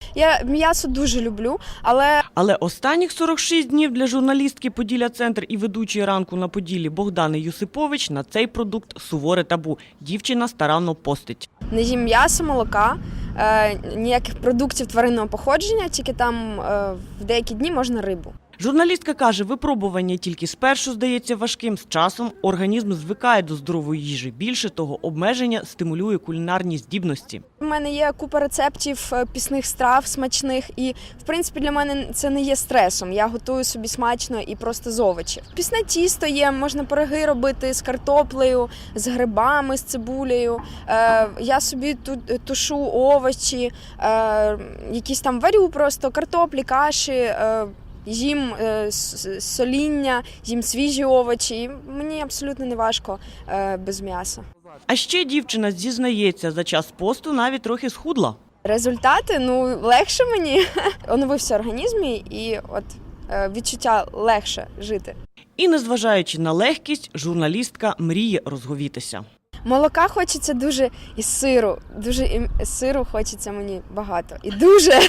Я м'ясо дуже люблю, Але останніх 46 днів для журналістки «Поділля-Центр» і ведучої «Ранку на Поділлі» Богдани Юсипович на цей продукт суворе табу. Дівчина старанно постить. не їм м'ясо, молока, ніяких продуктів тваринного походження, тільки там в деякі дні можна рибу. Журналістка каже, випробування тільки спершу здається важким, з часом організм звикає до здорової їжі. Більше того, обмеження стимулює кулінарні здібності. У мене є купа рецептів пісних страв смачних і, в принципі, для мене це не є стресом. Я готую собі смачно і просто з овочів. Пісне тісто є, можна пироги робити з картоплею, з грибами, з цибулею. Я собі тушу овочі, якісь там варю просто картоплі, каші, їм соління, їм свіжі овочі. Мені абсолютно не важко без м'яса. А ще дівчина зізнається, за час посту навіть трохи схудла. Результати, легше мені. Оновився організм і от відчуття легше жити. І незважаючи на легкість, журналістка мріє розговітися. Молока хочеться дуже і сиру. Сиру хочеться мені багато. І дуже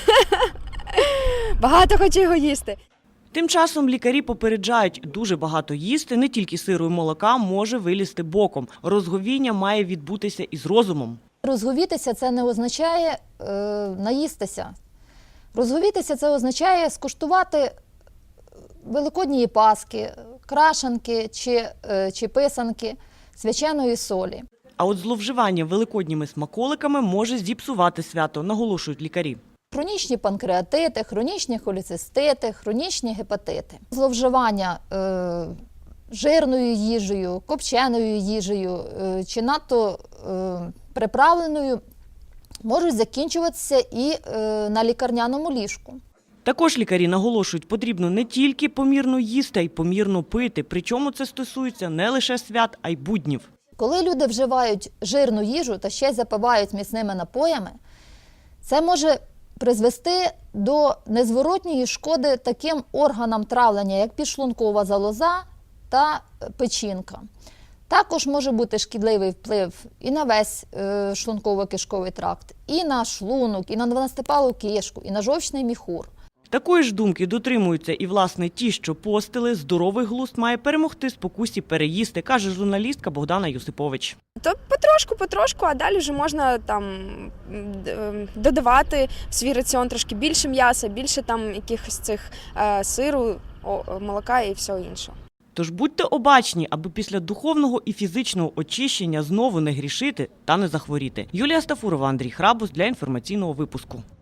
багато хочу його їсти. Тим часом лікарі попереджають, дуже багато їсти, не тільки сиру і молока, може вилізти боком. Розговіння має відбутися із розумом. Розговітися – це не означає наїстися. Розговітися – це означає скуштувати великодні паски, крашанки чи писанки, свяченої солі. А от зловживання великодніми смаколиками може зіпсувати свято, наголошують лікарі. Хронічні панкреатити, хронічні холецистити, хронічні гепатити. Зловживання жирною їжею, копченою їжею чи надто приправленою можуть закінчуватися і на лікарняному ліжку. Також лікарі наголошують, потрібно не тільки помірно їсти, а й помірно пити. Причому це стосується не лише свят, а й буднів. Коли люди вживають жирну їжу та ще й запивають міцними напоями, це може призвести до незворотньої шкоди таким органам травлення, як підшлункова залоза та печінка. Також може бути шкідливий вплив і на весь шлунково-кишковий тракт, і на шлунок, і на дванадцятипалу кишку, і на жовчний міхур. Такої ж думки дотримуються і, власне, ті, що постили. Здоровий глузд має перемогти спокусі переїсти, каже журналістка Богдана Юсипович. То потрошку, а далі вже можна там додавати в свій раціон трошки більше м'яса, більше там якихось цих сиру, молока і всього іншого. Тож будьте обачні, аби після духовного і фізичного очищення знову не грішити та не захворіти. Юлія Стафурова, Андрій Храбус для інформаційного випуску.